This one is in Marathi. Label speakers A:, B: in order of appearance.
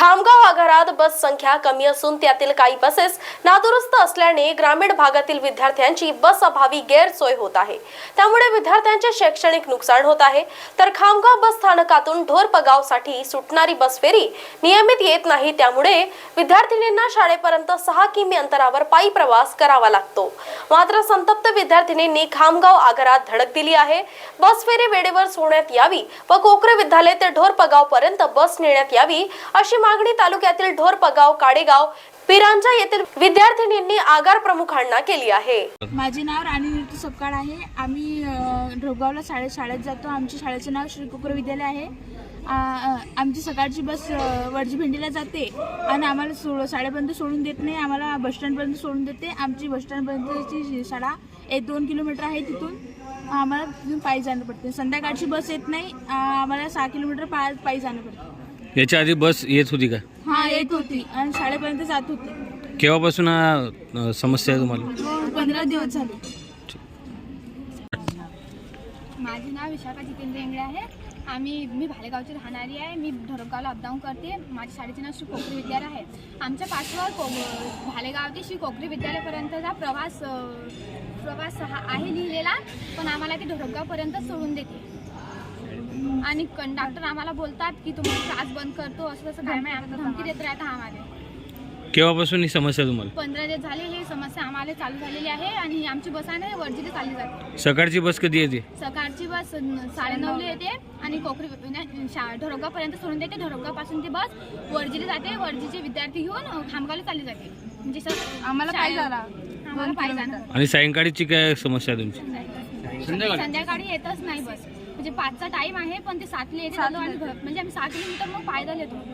A: खामगाव आगारात बस संख्या कमी असून त्यातील काही बसेस नादुरुस्त असल्याने ग्रामीण भागातील विद्यार्थ्यांची बस अभावी गैरसोय होत आहे। त्यामुळे विद्यार्थ्यांचे शैक्षणिक नुकसान होत आहे। तर खामगाव बस स्थानकातून ढोरपगावसाठी सुटणारी बस फेरी नियमित येत नाही, त्यामुळे विद्यार्थिनींना शाळेपर्यंत 6 किमी अंतरावर पायी प्रवास करावा लागतो। मात्र संतप्त विद्यार्थिनींनी खामगाव आगारात धडक दिली आहे। बस फेरी वेळेवर सोडण्यात यावी व कोकरे विद्यालय ते ढोरपगाव पर्यंत बस नेण्यात यावी अशी मागणी तालुक्यातील ढोरपगाव, काडेगाव, पिरांजा येथील विद्यार्थिनींनी आगार प्रमुखांना केली आहे।
B: माझे नाव राणी ऋतू सपकाळ आहे। आम्ही ढोरगावला शाळेत जातो। आमच्या शाळेचे नाव श्री कोकरे विद्यालय आहे। आमची सकाळची बस वडजी भेंडीला जाते आणि आम्हाला शाळेपर्यंत सोडून देत नाही, आम्हाला बस स्टँडपर्यंत सोडून देते। आमची बस स्टँडपर्यंतची शाळा 1-2 किलोमीटर आहे, तिथून आम्हाला तिथून पायी जाणं पडते। संध्याकाळची बस येत नाही, आम्हाला 6 किलोमीटर पायी जाणं पडतं।
C: याच्या आधी बस येत होती का?
B: हां, येत होती आणि शाळेपर्यंत जात होती।
C: केव्हापासून हा समस्या आहे तुम्हाला?
B: 15 दिवस झाले।
D: माझे नाव विशाखा जितेंद्र इंगळे आहे। मी भालेगावची राहणारी आहे। मी ढोरगावला अपडाऊन करते। माझ्या शाळेचे नाव श्री कोकरे विद्यालय आहे। आमच्या पाठवर भालेगाव ते श्री कोकरे विद्यालयापर्यंतचा प्रवास आहे लिहिलेला, पण आम्हाला ते ढोरगावपर्यंत सोडून देते आणि कंडक्टर आम्हाला बोलतात की तुम्हाला क्लास बंद करतो, असं तसं काय नाही, आम्हाला धमकी देत राहतात आम्हाला।
C: केव्हापासून ही समस्या तुम्हाला?
D: 15 दिवस झाले ही समस्या आम्हाला चालू झालेली आहे आणि आमची बस आहे ना वर्जीला चालली जाते।
C: सकाळची बस कधी येते?
D: सकाळची बस 9:30ला येते आणि कोकरी ढोरगावपर्यंत सोडून देते। ढोरगावपासून ती बस वर्जीला जाते। वर्जीचे विद्यार्थी घेऊन खामगावला चालली जाते। म्हणजे
B: आम्हाला पायी
D: जाणं
C: आणि सायंकाळची काय समस्या आहे तुमची?
D: संध्याकाळी येतच नाही बस। म्हणजे 5चा टाइम आहे, पण ते 7ला येते आणि म्हणजे आम्ही 6 किलोमीटर मग पायदल येतो।